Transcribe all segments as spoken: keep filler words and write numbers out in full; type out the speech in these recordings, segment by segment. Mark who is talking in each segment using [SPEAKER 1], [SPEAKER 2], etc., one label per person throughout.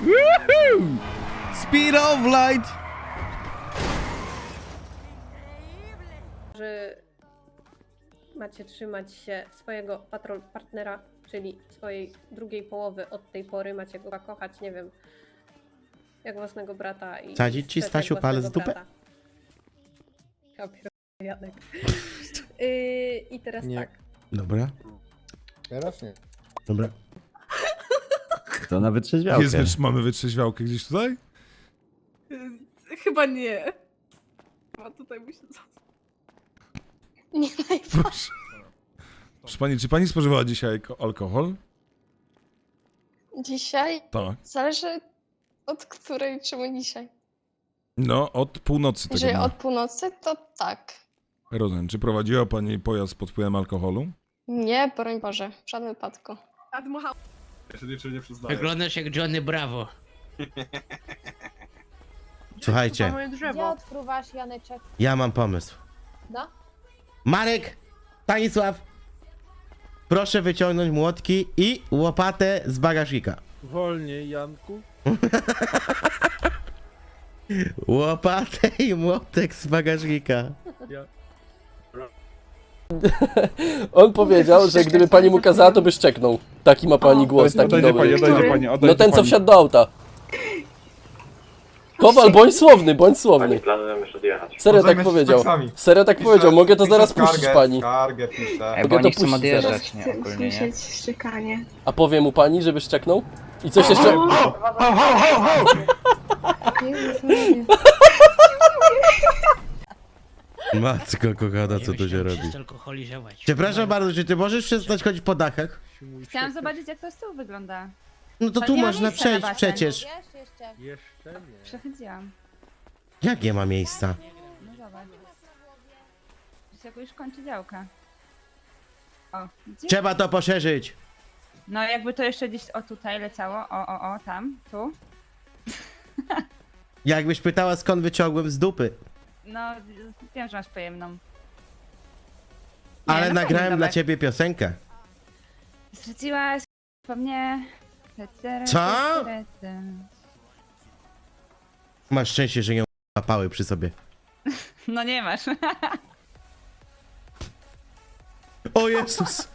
[SPEAKER 1] Woohoo! Speed of light!
[SPEAKER 2] Że macie trzymać się swojego patrol partnera, czyli swojej drugiej połowy od tej pory. Macie go kochać, nie wiem, jak własnego brata. I
[SPEAKER 1] Sadzić ci,
[SPEAKER 2] jak
[SPEAKER 1] Stasiu,
[SPEAKER 2] własnego
[SPEAKER 1] palec w dupę?
[SPEAKER 2] brata. Ja pierdolę, Janek. Yy, I teraz
[SPEAKER 3] Nie.
[SPEAKER 2] tak.
[SPEAKER 1] Dobra,
[SPEAKER 3] Teraz nie.
[SPEAKER 1] dobra.
[SPEAKER 4] To na wytrzeźwiałkę.
[SPEAKER 5] Jest wytrz- mamy wytrzeźwiałkę gdzieś tutaj?
[SPEAKER 2] Chyba nie. Chyba tutaj musi zostać.
[SPEAKER 6] Nie
[SPEAKER 5] Proszę. Proszę pani, czy pani spożywała dzisiaj ko- alkohol?
[SPEAKER 6] Dzisiaj?
[SPEAKER 5] Tak.
[SPEAKER 6] Zależy od której, czemu dzisiaj.
[SPEAKER 5] No, od północy tego
[SPEAKER 6] Jeżeli
[SPEAKER 5] dnia.
[SPEAKER 6] od północy, to tak.
[SPEAKER 5] Rozumiem. Czy prowadziła pani pojazd pod wpływem alkoholu?
[SPEAKER 6] Nie, broń Boże, w żadnym wypadku.
[SPEAKER 7] Wyglądasz jak Johnny Bravo.
[SPEAKER 1] Słuchajcie,
[SPEAKER 8] Gdzie odfruwasz, Janeczek?
[SPEAKER 1] ja mam pomysł.
[SPEAKER 8] No?
[SPEAKER 1] Marek, Stanisław, proszę wyciągnąć młotki i łopatę z bagażnika.
[SPEAKER 3] Wolniej, Janku.
[SPEAKER 1] Łopatę i młotek z bagażnika.
[SPEAKER 9] On powiedział, że gdyby pani mu kazała, to by szczeknął. Taki ma pani głos, taki
[SPEAKER 5] Oddajcie
[SPEAKER 9] dobry.
[SPEAKER 5] pani, oddajcie pani, oddajcie
[SPEAKER 9] No ten, co
[SPEAKER 5] pani.
[SPEAKER 9] wsiadł do auta. Kowal, bądź słowny, bądź słowny. Serio tak powiedział. Serio tak powiedział, mogę to zaraz puścić pani.
[SPEAKER 3] Skargę piszę.
[SPEAKER 9] Mogę to puścić zaraz.
[SPEAKER 7] nie? Ogólnie, nie?
[SPEAKER 6] szczekanie.
[SPEAKER 9] A powie mu pani, żeby szczeknął? I coś jeszcze...
[SPEAKER 1] Matko kochana, co tu się robi?
[SPEAKER 7] Alkoholizować.
[SPEAKER 1] Przepraszam bardzo, czy ty możesz przestać chodzić po dachach?
[SPEAKER 8] Chciałam zobaczyć, jak to z tyłu wygląda.
[SPEAKER 1] No to
[SPEAKER 8] To
[SPEAKER 1] tu
[SPEAKER 8] nie ma
[SPEAKER 1] można
[SPEAKER 8] miejsca na
[SPEAKER 1] przejść
[SPEAKER 8] basen.
[SPEAKER 1] przecież.
[SPEAKER 8] Wiesz, jeszcze.
[SPEAKER 3] Jeszcze nie.
[SPEAKER 8] Przechodziłam.
[SPEAKER 1] Jak nie ma miejsca?
[SPEAKER 8] No zobacz. To się już kończy działka. O, widzisz?
[SPEAKER 1] Trzeba to poszerzyć.
[SPEAKER 8] No jakby to jeszcze gdzieś o tutaj leciało. O, o, o, tam, tu.
[SPEAKER 1] Jakbyś pytała, skąd wyciągłem z dupy.
[SPEAKER 8] No, wiem, że masz pojemną. Nie,
[SPEAKER 1] Ale
[SPEAKER 8] no fajny
[SPEAKER 1] nagrałem dla
[SPEAKER 8] domek.
[SPEAKER 1] ciebie piosenkę.
[SPEAKER 8] Straciłaś po mnie.
[SPEAKER 1] Co? Masz szczęście, że ją łapały przy sobie.
[SPEAKER 8] No nie masz.
[SPEAKER 1] O Jezus!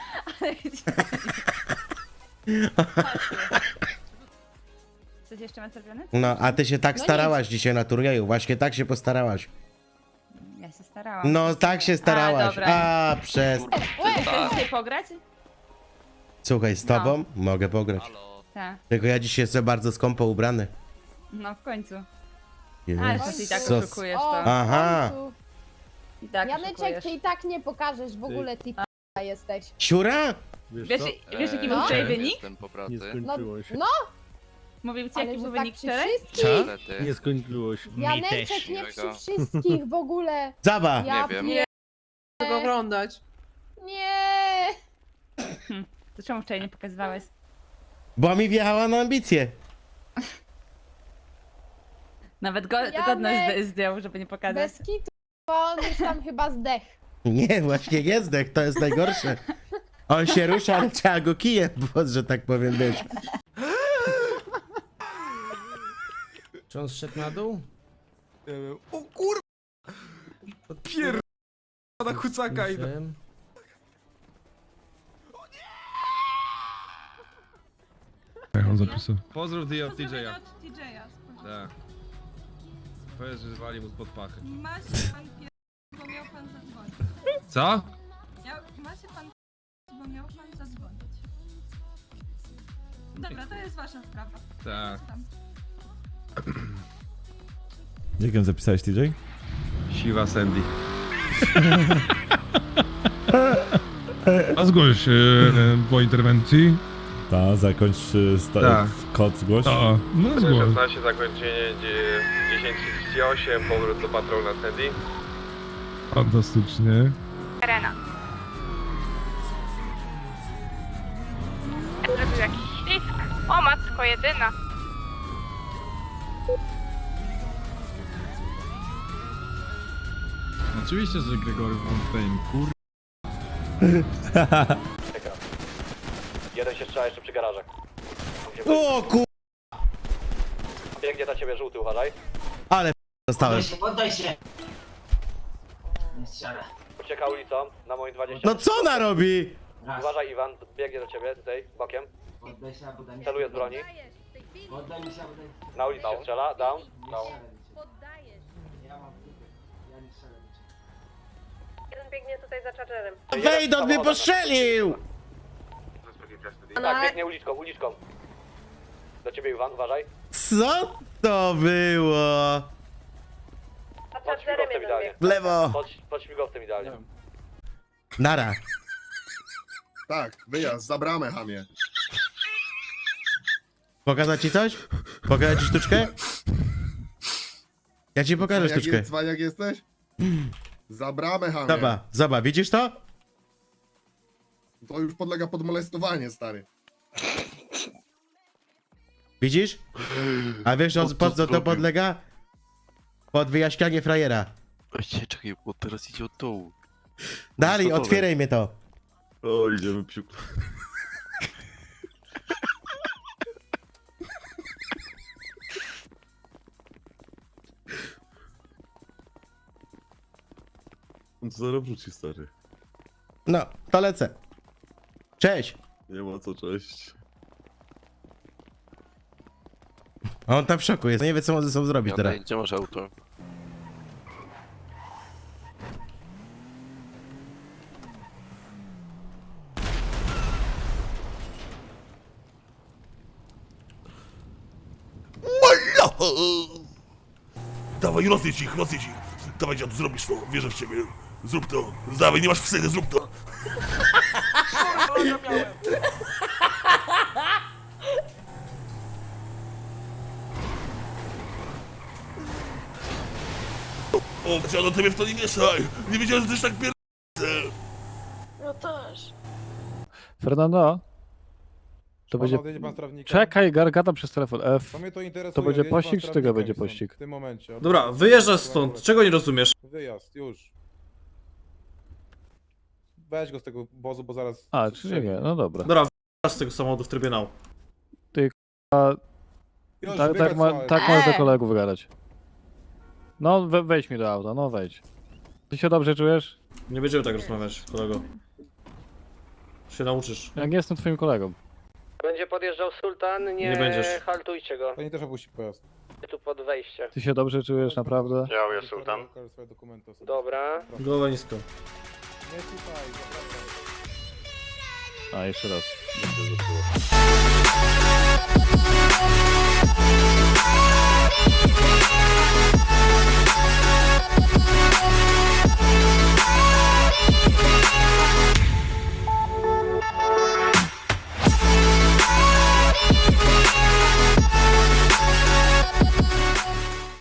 [SPEAKER 8] Coś jeszcze masz zrobione?
[SPEAKER 1] No, a ty się tak
[SPEAKER 8] No
[SPEAKER 1] starałaś dzisiaj na turnieju. Właśnie tak się postarałaś.
[SPEAKER 8] Ja się starałam.
[SPEAKER 1] No, tak się starałaś.
[SPEAKER 8] A, dobra.
[SPEAKER 1] A, przez...
[SPEAKER 8] Chcesz dzisiaj pograć?
[SPEAKER 1] Słuchaj, z tobą mogę pograć.
[SPEAKER 8] Tak.
[SPEAKER 1] Tylko ja dzisiaj jestem bardzo skąpo ubrany.
[SPEAKER 8] No w końcu. Ale to ty i tak
[SPEAKER 1] Jezus.
[SPEAKER 8] oszukujesz to.
[SPEAKER 1] Aha.
[SPEAKER 8] I tak
[SPEAKER 2] Janeczek,
[SPEAKER 8] oszukujesz.
[SPEAKER 2] ty i tak nie pokażesz w ogóle, ty p***a jesteś.
[SPEAKER 1] Siura?
[SPEAKER 8] Wiesz,
[SPEAKER 3] co?
[SPEAKER 8] wiesz jaki
[SPEAKER 2] No.
[SPEAKER 8] był wczoraj wynik?
[SPEAKER 3] Nie skończyło się.
[SPEAKER 2] No,
[SPEAKER 8] Mówił ci
[SPEAKER 2] ale
[SPEAKER 8] jaki
[SPEAKER 2] że
[SPEAKER 8] był
[SPEAKER 2] tak
[SPEAKER 8] wynik
[SPEAKER 2] przy
[SPEAKER 8] wczoraj?
[SPEAKER 2] wszystkich.
[SPEAKER 3] Nie skończyło się.
[SPEAKER 2] Janeczek, nie przy wszystkich w ogóle.
[SPEAKER 1] Zaba!
[SPEAKER 2] Ja
[SPEAKER 7] wiem.
[SPEAKER 2] nie
[SPEAKER 8] Tego oglądać.
[SPEAKER 2] Nie.
[SPEAKER 8] To czemu wczoraj nie pokazywałeś?
[SPEAKER 1] Bo mi wjechała na ambicje.
[SPEAKER 8] Nawet go,
[SPEAKER 2] Janek!
[SPEAKER 8] godność zd- zdjął, żeby nie pokazać.
[SPEAKER 2] Bez kitu, bo on już tam chyba zdech.
[SPEAKER 1] Nie, właśnie jezdek, to jest najgorsze. On się rusza, ale trzeba go kijem, bo, że tak powiem, być.
[SPEAKER 3] Czy on zszedł na dół?
[SPEAKER 5] O kur... Pier... na kucaka idę.
[SPEAKER 3] Czym?
[SPEAKER 5] Jak on zapisał?
[SPEAKER 3] Pozdrów ty od T J-a. Tak. Powiedz, że zwali mu spod pachy.
[SPEAKER 2] Ma się pan pier... bo miał pan zadzwonić.
[SPEAKER 3] Co?
[SPEAKER 2] Ma się pan bo miał pan zadzwonić. Dobra, to jest wasza sprawa.
[SPEAKER 3] Tak.
[SPEAKER 5] Jak ją zapisałeś, T J?
[SPEAKER 3] Siwa Sandy.
[SPEAKER 5] A zgłoś e, po interwencji.
[SPEAKER 10] Ta, zakończ y, sta-
[SPEAKER 3] Tak.
[SPEAKER 10] kod zgłoś.
[SPEAKER 5] A, no zgłoś.
[SPEAKER 3] szesnaście, zakończenie dziesięć trzydzieści osiem, powrót do patrol na Sandy.
[SPEAKER 5] Fantastycznie.
[SPEAKER 6] Arena. Zrobił jakiś ślizg. O matko jedyna.
[SPEAKER 5] Oczywiście, że Gregory Fontaine, kur...
[SPEAKER 4] Jeden się strzela jeszcze przy garażach.
[SPEAKER 1] O kur...
[SPEAKER 9] Biegnie na ciebie żółty, uważaj.
[SPEAKER 1] Ale p- dostałem.
[SPEAKER 7] Poddaj się! Nie strzelę.
[SPEAKER 9] Ucieka ulicą, na moim dwadzieścia.
[SPEAKER 1] No co ona robi?
[SPEAKER 7] Raz.
[SPEAKER 9] Uważaj Iwan, biegnie do ciebie, tutaj, bokiem.
[SPEAKER 7] Poddaj się, albo daj mi
[SPEAKER 9] Celuje z broni.
[SPEAKER 2] Poddajesz w tej chwili.
[SPEAKER 7] Poddaj mi się, albo daj mi
[SPEAKER 9] Na ulicy się strzela, down. down.
[SPEAKER 2] Poddajesz.
[SPEAKER 7] Ja mam dupę. Ja nie strzelę.
[SPEAKER 2] Jeden biegnie tutaj za chargerem.
[SPEAKER 1] Wejdon mnie postrzelił!
[SPEAKER 9] Tak, biegnie uliczką, uliczką. Do ciebie Iwan, uważaj.
[SPEAKER 1] Co to było?
[SPEAKER 2] Za
[SPEAKER 9] Pod
[SPEAKER 2] chargerem
[SPEAKER 9] śmigowcem
[SPEAKER 2] jeden
[SPEAKER 9] idealnie.
[SPEAKER 2] bieg.
[SPEAKER 1] W lewo.
[SPEAKER 9] Pod, pod śmigowcem idealnie.
[SPEAKER 1] Nara.
[SPEAKER 11] Tak, wyjazd, za bramę, hamie.
[SPEAKER 1] Pokazać ci coś? Pokazać ci sztuczkę? Ja ci pokażę
[SPEAKER 11] Jak
[SPEAKER 1] sztuczkę.
[SPEAKER 11] jest, cwaniak jesteś? Za bramę, hamie.
[SPEAKER 1] Zobacz, zobacz, widzisz to?
[SPEAKER 11] To już podlega pod molestowanie, stary.
[SPEAKER 1] Widzisz? A wiesz o, po co to podlega? Pod wyjaśnianie frajera.
[SPEAKER 10] Ej, czekaj, bo teraz idzie od dołu.
[SPEAKER 1] Dalej,
[SPEAKER 10] Gotowe.
[SPEAKER 1] otwieraj mnie to.
[SPEAKER 10] O, idziemy psiu. On to zaraz wróci, stary.
[SPEAKER 1] No, to lecę. Cześć.
[SPEAKER 10] Nie ma co, cześć.
[SPEAKER 1] A on tam w szoku jest, nie wie co może ze sobą zrobić teraz.
[SPEAKER 10] Gdzie masz auto?
[SPEAKER 5] Dawaj, rozjedź ich, rozjedź ich. Dawaj, dziadu, zrobisz to, wierzę w ciebie. Zrób to. Dawaj, nie masz wstydu, zrób to. O, dziadu, ty mnie w to nie mieszaj. Nie wiedziałem, że ty tak pier...
[SPEAKER 6] No też.
[SPEAKER 4] Fernando? To będzie... Czekaj, Gargata przez telefon F. To będzie pościg, czy tego będzie pościg?
[SPEAKER 9] Dobra, wyjeżdżasz stąd, czego nie rozumiesz?
[SPEAKER 5] Wyjazd, już. Weź go z tego wozu, bo zaraz...
[SPEAKER 4] A, czyli nie, no dobra.
[SPEAKER 9] Dobra, wyjeżdżasz z tego samochodu w trybie now.
[SPEAKER 5] Już,
[SPEAKER 4] Tak, tak, ma, tak możesz do kolegów gadać. No, we, wejdź mi do auta, no wejdź. Ty się dobrze czujesz?
[SPEAKER 9] Nie będziemy tak rozmawiać, kolego. Się nauczysz.
[SPEAKER 4] Jak nie jestem twoim kolegą.
[SPEAKER 2] Będzie podjeżdżał Sultan, nie,
[SPEAKER 9] Nie będziesz.
[SPEAKER 2] haltujcie go.
[SPEAKER 5] Pani też opuści pojazd.
[SPEAKER 2] Tu pod wejście.
[SPEAKER 4] Ty się dobrze czujesz, naprawdę?
[SPEAKER 10] Ja jest sultan.
[SPEAKER 2] Dobra.
[SPEAKER 9] Głowa nisko.
[SPEAKER 5] Nie słuchaj, zapraszam.
[SPEAKER 4] A, jeszcze raz.